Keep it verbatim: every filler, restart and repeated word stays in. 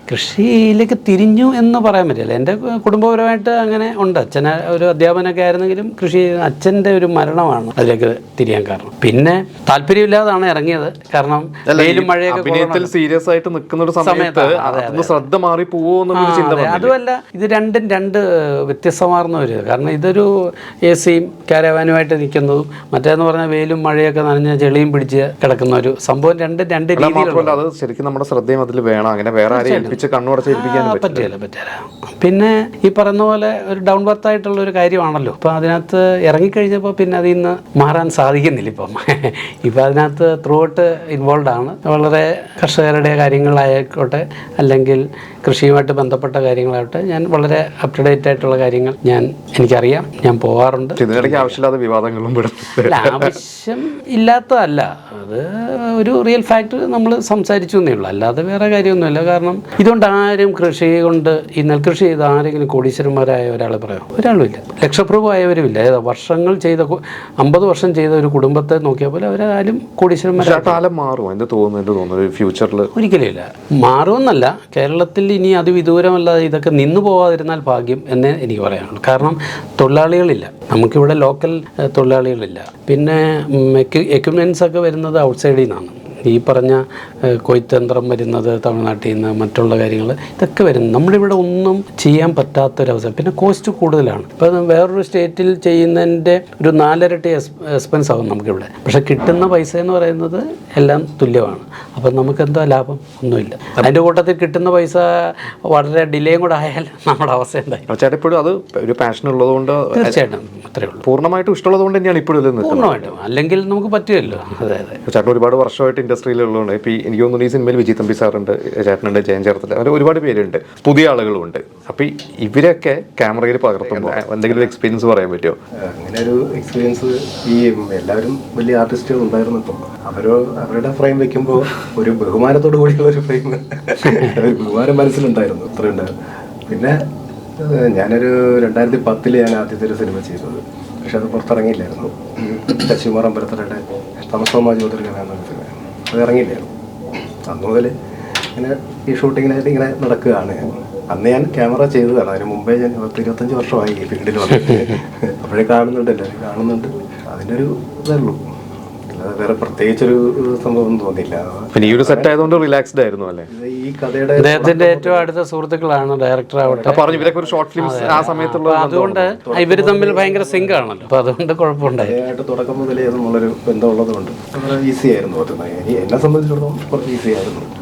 കൃഷിയിലേക്ക് തിരിഞ്ഞു എന്ന് പറയാൻ പറ്റില്ല. എൻ്റെ കുടുംബപരമായിട്ട് അങ്ങനെ ഉണ്ട്. അച്ഛൻ ഒരു അധ്യാപനമൊക്കെ ആയിരുന്നെങ്കിലും കൃഷി അച്ഛൻ്റെ ഒരു മരണമാണ് അതിലേക്ക് തിരിയാൻ കാരണം. പിന്നെ താല്പര്യമില്ലാതാണ് ഇറങ്ങിയത്. കാരണം വെയിലും മഴയൊക്കെ സീരിയസ് ആയിട്ട് നിൽക്കുന്ന ഒരു സമയത്ത് ശ്രദ്ധ മാറി പോവോ. അതുമല്ല, ഇത് രണ്ടും രണ്ട് വ്യത്യസ്തമാർന്ന ഒരു, കാരണം ഇതൊരു എ സിയും കാരവാനുമായിട്ട് നിൽക്കുന്നതും മറ്റേന്ന് പറഞ്ഞാൽ വെയിലും മഴയൊക്കെ നനഞ്ഞ ചെളിയും പിടിച്ച് കിടക്കുന്ന ഒരു സംഭവം. രണ്ട് രണ്ട് രീതിയിലുള്ള അത് ശരിക്കും നമ്മുടെ ശ്രദ്ധയും അതിൽ വേണം. അങ്ങനെ വേറെ ആരെയും ഏൽപ്പിച്ച് കണ്ണുടച്ചേൽപ്പിക്കാൻ പറ്റില്ല പറ്റില്ല പിന്നെ ഈ പറയുന്ന പോലെ ഒരു ഡൗൺ ബർത്ത് ആയിട്ടുള്ള ഒരു കാര്യമാണല്ലോ. അപ്പം അതിനകത്ത് ഇറങ്ങിക്കഴിഞ്ഞപ്പോൾ പിന്നെ അതിൽ നിന്ന് മാറാൻ സാധിക്കുന്നില്ല. ഇപ്പം ഇപ്പം അതിനകത്ത് ത്രൂ ഔട്ട് ഇൻവോൾവ് ആണ്. വളരെ കർഷകരുടെ കാര്യങ്ങളായിക്കോട്ടെ അല്ലെങ്കിൽ കൃഷിയുമായിട്ട് ബന്ധപ്പെട്ട കാര്യങ്ങളാവട്ടെ, ഞാൻ വളരെ അപ് ടു ഡേറ്റ് ആയിട്ടുള്ള കാര്യങ്ങൾ ഞാൻ എനിക്കറിയാം, ഞാൻ പോകാറുണ്ട്. ആവശ്യമില്ലാത്ത വിവാദങ്ങളും ആവശ്യം ഇല്ലാത്തതല്ല, അത് ഒരു റിയൽ ഫാക്ട് നമ്മൾ സംസാരിച്ചു എന്നേ ഉള്ളൂ, അല്ലാതെ വേറെ കാര്യമൊന്നുമില്ല. കാരണം ഇതുകൊണ്ട് ആരും കൃഷി കൊണ്ട് ഈ നെൽകൃഷി ചെയ്ത് ആരെങ്കിലും കോടീശ്വരന്മാരായ ഒരാളെ പറയാം? ഒരാളും ഇല്ല. ലക്ഷപ്രഭുവായവരും ഇല്ല. ഏതാ വർഷങ്ങൾ ചെയ്ത അമ്പത് വർഷം ചെയ്ത ഒരു കുടുംബത്തെ നോക്കിയാൽ പോലെ അവരാരും കോടീശ്വരന്മാരായ മാറും എന്ന് തോന്നുന്നു ഫ്യൂച്ചറിൽ. ഒരിക്കലും ഇല്ല, മാറുമെന്നല്ല. കേരളത്തിൽ ഇനി അതിവിദൂരമല്ലാതെ ഇതൊക്കെ നിന്നു പോകാതിരുന്നാൽ ഭാഗ്യം എന്നേ എനിക്ക് പറയാനുള്ളൂ. കാരണം തൊഴിലാളികളില്ല, നമുക്കിവിടെ ലോക്കൽ തൊഴിലാളികളില്ല. പിന്നെ എക്യുപ്മെൻറ്റ്സ് ഒക്കെ വരുന്നത് ഔട്ട്സൈഡിൽ നിന്നാണ്. ഈ പറഞ്ഞ കൊയ്ത്തന്ത്രം വരുന്നത് തമിഴ്നാട്ടിൽ നിന്ന്, മറ്റുള്ള കാര്യങ്ങൾ ഇതൊക്കെ വരുന്നത്. നമ്മളിവിടെ ഒന്നും ചെയ്യാൻ പറ്റാത്തൊരവസ്ഥ. പിന്നെ കോസ്റ്റ് കൂടുതലാണ്. ഇപ്പം വേറൊരു സ്റ്റേറ്റിൽ ചെയ്യുന്നതിൻ്റെ ഒരു നാലരട്ടി എക്സ്പെൻസ് ആകും നമുക്കിവിടെ. പക്ഷേ കിട്ടുന്ന പൈസ എന്ന് പറയുന്നത് എല്ലാം തുല്യമാണ്. അപ്പം നമുക്കെന്താ ലാഭം? ഒന്നുമില്ല. അതിൻ്റെ കൂട്ടത്തിൽ കിട്ടുന്ന പൈസ വളരെ ഡിലേയും കൂടെ ആയാൽ നമ്മുടെ അവസ്ഥ എന്തായി? ചേട്ടാ ഇപ്പോഴും അത് ഒരു പാഷൻ ഉള്ളതുകൊണ്ട് തീർച്ചയായിട്ടും അത്രേ ഉള്ളൂ. പൂർണ്ണമായിട്ടും ഇഷ്ടമുള്ളത് കൊണ്ട് തന്നെയാണ് ഇപ്പോഴും പൂർണ്ണമായിട്ടും, അല്ലെങ്കിൽ നമുക്ക് പറ്റുമല്ലോ. അതെ അതെ. ചേട്ടൻ ഒരുപാട് വർഷമായിട്ട് ഇൻഡസ്ട്രിയിലുള്ളതുകൊണ്ട് ഇപ്പോൾ എനിക്ക് തോന്നുന്നു ഈ സിനിമയിൽ വിജയ് തമ്പി സാറുണ്ട്, ചേട്ടനുണ്ട്, ജയൻ ചേർത്തല, അങ്ങനെ ഒരുപാട് പേരുണ്ട്, പുതിയ ആളുകളുമുണ്ട്. അപ്പോൾ ഇവരൊക്കെ ക്യാമറയിൽ പകർത്തുമ്പോൾ എന്തെങ്കിലും എക്സ്പീരിയൻസ് പറയാൻ പറ്റുമോ? അങ്ങനെ ഒരു എക്സ്പീരിയൻസ് ഈ എല്ലാവരും വലിയ ആർട്ടിസ്റ്റുകൾ ഉണ്ടായിരുന്നു. ഇപ്പം അവരോ അവരുടെ ഫ്രെയിം വെക്കുമ്പോൾ ഒരു ബഹുമാനത്തോടു കൂടിയുള്ള ഒരു ഫ്രെയിം, ഒരു ബഹുമാനം മനസ്സിലുണ്ടായിരുന്നു, അത്രയുണ്ടായിരുന്നു. പിന്നെ ഞാനൊരു രണ്ടായിരത്തി പത്തില് ഞാൻ ആദ്യത്തെ ഒരു സിനിമ ചെയ്തത്, പക്ഷെ അത് പുറത്തിറങ്ങിയില്ലായിരുന്നു. ശശികുമാർ അമ്പലത്തറയുടെ തമസോമ ജ്യോതിർഗമ എന്നൊരു സിനിമ, അത് ഇറങ്ങിയില്ലായിരുന്നു. അന്ന് മുതൽ ഇങ്ങനെ ഈ ഷൂട്ടിങ്ങിനായിട്ട് ഇങ്ങനെ നടക്കുകയാണ്. അന്ന് ഞാൻ ക്യാമറ ചെയ്തതാണ്. അതിന് മുമ്പേ ഞാൻ പത്ത് ഇരുപത്തഞ്ച് വർഷമായി ഈ ഫീൽഡിൽ വന്നിട്ട്. അപ്പോഴേ കാണുന്നുണ്ട്, എല്ലാവരും കാണുന്നുണ്ട്. അതിൻ്റെ ഒരു ഇതേ ഉള്ളൂ, അല്ലാതെ വേറെ പ്രത്യേകിച്ചൊരു സംഭവം തോന്നിയില്ല. പിന്നെ ഈ ഒരു സെറ്റ് ആയതുകൊണ്ട് റിലാക്സ്ഡ് ആയിരുന്നു അല്ലേ? ഈ കഥയുടെ അദ്ദേഹത്തിന്റെ ഏറ്റവും അടുത്ത സുഹൃത്തുക്കളാണ് ഡയറക്ടർ ആവട്ടെ. പറഞ്ഞു ഇവരൊക്കെ ഒരു ഷോർട്ട് ഫിലിംസ് ആ സമയത്തുള്ള, അതുകൊണ്ട് ഇവർ തമ്മിൽ ഭയങ്കര സിങ്ക് ആണല്ലോ. അപ്പൊ അതുകൊണ്ട് കുഴപ്പമുണ്ടായി. തുടക്കം മുതലേ നമ്മളുള്ളൊരു ബന്ധമുള്ളത് കൊണ്ട് ഈസി ആയിരുന്നു. എന്നെ സംബന്ധിച്ചിടത്തോളം കുറച്ച് ഈസി ആയിരുന്നു.